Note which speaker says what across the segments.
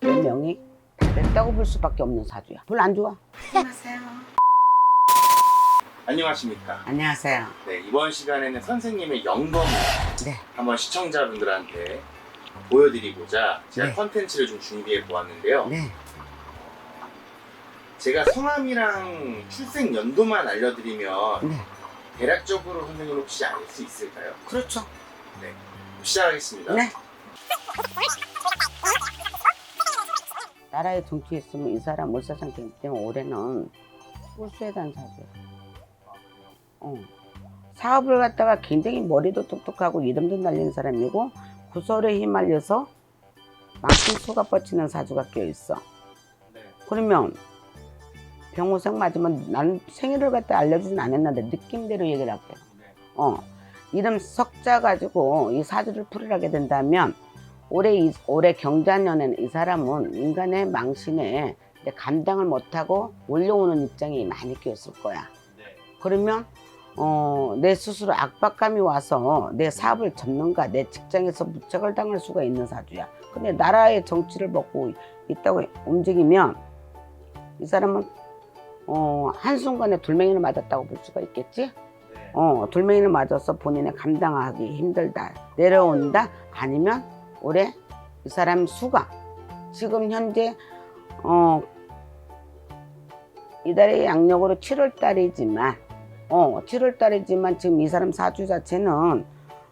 Speaker 1: 내 명이 다 됐다고 볼 수밖에 없는 사주야. 별로 안 좋아. 안녕하세요.
Speaker 2: 안녕하십니까.
Speaker 1: 안녕하세요.
Speaker 2: 네, 이번 시간에는 선생님의 영검을
Speaker 1: 네.
Speaker 2: 한번 시청자분들한테 보여드리고자 제가
Speaker 1: 네.
Speaker 2: 컨텐츠를 좀 준비해 보았는데요.
Speaker 1: 네.
Speaker 2: 제가 성함이랑 출생 연도만 알려드리면
Speaker 1: 네.
Speaker 2: 대략적으로 선생님 혹시 알 수 있을까요?
Speaker 1: 그렇죠.
Speaker 2: 네, 시작하겠습니다.
Speaker 1: 네. 나라에 정치에 있으면 이 사람 월사상 되기 때문에 올해는 꿀수에 대한 사주야. 사업을 갖다가 굉장히 머리도 똑똑하고 이름도 날리는 사람이고 구설에 휘말려서 많은 수가 뻗치는 사주가 껴있어.
Speaker 2: 네.
Speaker 1: 그러면 병호생 맞으면 나는 생일을 갖다 알려주진 않았는데 느낌대로 얘기를 할게.
Speaker 2: 네.
Speaker 1: 이름 석자 가지고 이 사주를 풀이하게 된다면 올해 경자년에는 이 사람은 인간의 망신에 감당을 못하고 몰려오는 입장이 많이 끼었을 거야.
Speaker 2: 네.
Speaker 1: 그러면 내 스스로 압박감이 와서 내 사업을 접는가 내 직장에서 무책을 당할 수가 있는 사주야. 근데 나라의 정치를 먹고 있다고 움직이면 이 사람은 한순간에 돌멩이를 맞았다고 볼 수가 있겠지?
Speaker 2: 네.
Speaker 1: 돌멩이를 맞아서 본인이 감당하기 힘들다 내려온다. 아니면 올해 이 사람 수가 지금 현재 이달의 양력으로 7월 달이지만 7월 달이지만 지금 이 사람 사주 자체는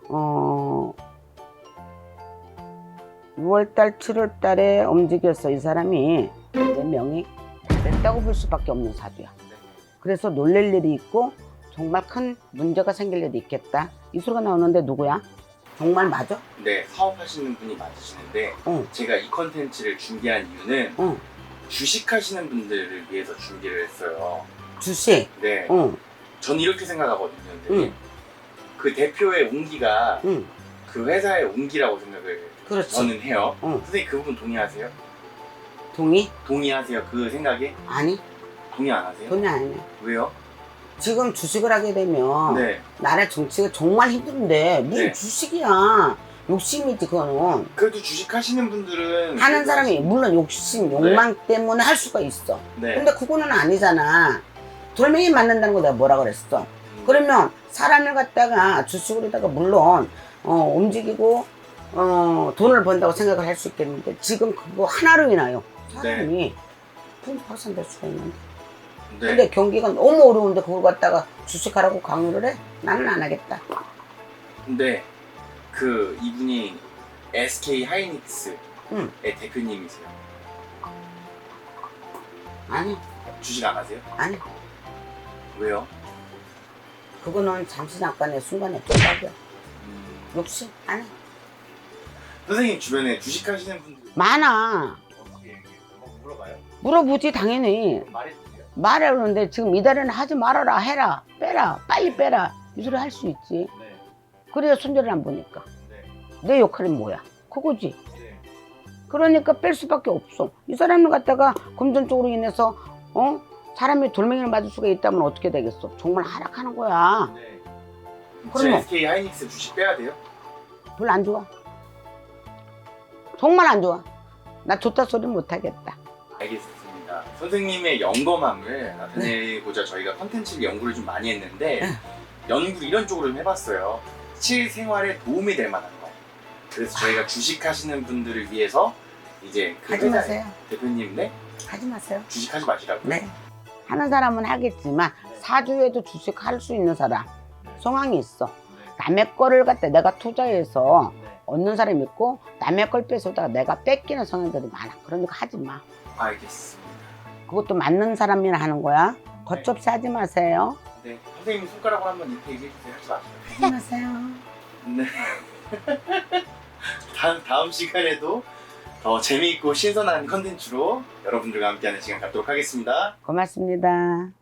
Speaker 1: 6월 달 7월 달에 움직였어. 이 사람이 내 명이 다 됐다고 볼 수밖에 없는 사주야. 그래서 놀랄 일이 있고 정말 큰 문제가 생길 일이 있겠다. 이 소리가 나오는데 누구야? 정말 맞아?
Speaker 2: 네, 사업하시는 분이 맞으시는데 제가 이 컨텐츠를 준비한 이유는 주식하시는 분들을 위해서 준비를 했어요.
Speaker 1: 주식?
Speaker 2: 네. 저는 이렇게 생각하거든요. 선생님. 그 대표의 운기가 그 회사의 운기라고 생각을
Speaker 1: 그렇지.
Speaker 2: 저는 해요. 선생님 그 부분 동의하세요?
Speaker 1: 동의?
Speaker 2: 동의하세요? 그 생각에?
Speaker 1: 아니,
Speaker 2: 동의 안 하세요?
Speaker 1: 동의 안 해.
Speaker 2: 왜요?
Speaker 1: 지금 주식을 하게 되면
Speaker 2: 네.
Speaker 1: 나라 정치가 정말 힘든데 무슨
Speaker 2: 네.
Speaker 1: 주식이야. 욕심이지 그거는.
Speaker 2: 그래도 주식하시는 분들은
Speaker 1: 하는 사람이 물론 욕심, 욕망 때문에 할 수가 있어.
Speaker 2: 네.
Speaker 1: 근데 그거는 아니잖아. 돌멩이 맞는다는 거 내가 뭐라 그랬어. 그러면 사람을 갖다가 주식으로다가 물론 움직이고 돈을 번다고 생각을 할 수 있겠는데 지금 그거 하나로 인하여 사람이 풍파산될 수가 있는데.
Speaker 2: 네.
Speaker 1: 근데 경기가 너무 어려운데 그걸 갖다가 주식하라고 강요를 해? 나는 안 하겠다.
Speaker 2: 근데 그 이분이 SK 하이닉스의
Speaker 1: 응.
Speaker 2: 대표님이세요.
Speaker 1: 아니,
Speaker 2: 주식 안 하세요?
Speaker 1: 아니.
Speaker 2: 왜요?
Speaker 1: 그거는 잠시 잠깐의 순간의 쫓박이야. 욕심? 아니.
Speaker 2: 선생님 주변에 주식하시는 분들
Speaker 1: 많아.
Speaker 2: 어떻게 얘기해요? 물어봐요?
Speaker 1: 물어보지 당연히.
Speaker 2: 말해주세요.
Speaker 1: 말해 그러는데 지금 이달에는 하지 말아라 해라 빼라 빨리 빼라 이 소리 할 수 있지.
Speaker 2: 네.
Speaker 1: 그래야 손해를 안 보니까.
Speaker 2: 네.
Speaker 1: 내 역할이 뭐야? 그거지.
Speaker 2: 네.
Speaker 1: 그러니까 뺄 수밖에 없어. 이 사람을 갖다가 금전적으로 인해서 사람이 돌멩이를 맞을 수가 있다면 어떻게 되겠어? 정말 하락하는 거야.
Speaker 2: 네.
Speaker 1: 그러면-
Speaker 2: SK 하이닉스 주식 빼야 돼요?
Speaker 1: 별로 안 좋아. 정말 안 좋아. 나 좋다 소리 못 하겠다.
Speaker 2: 알겠습니다. 선생님의 영검함을 나타내고자 저희가 컨텐츠를 연구를 좀 많이 했는데 연구를 이런 쪽으로 좀 해봤어요. 실생활에 도움이 될 만한 거. 그래서 저희가 주식하시는 분들을 위해서 이제 그
Speaker 1: 하지
Speaker 2: 회사의
Speaker 1: 마세요.
Speaker 2: 대표님 네?
Speaker 1: 하지 마세요.
Speaker 2: 주식하지 마시라고요.
Speaker 1: 네. 하는 사람은 하겠지만 사주에도 주식할 수 있는 사람 상황이 있어. 남의 거를 갖다 내가 투자해서 얻는 사람이 있고 남의 걸 뺏어다가 내가 뺏기는 성향들이 많아. 그러니까 하지 마.
Speaker 2: 알겠습니다.
Speaker 1: 그것도 맞는 사람이나 하는 거야. 겉접시 하지 마세요.
Speaker 2: 네, 선생님 손가락으로 한번 이렇게 얘기해 주세요. 하지 마세요.
Speaker 1: 하지 마세요.
Speaker 2: 네. 다음 시간에도 더 재미있고 신선한 컨텐츠로 여러분들과 함께하는 시간 갖도록 하겠습니다.
Speaker 1: 고맙습니다.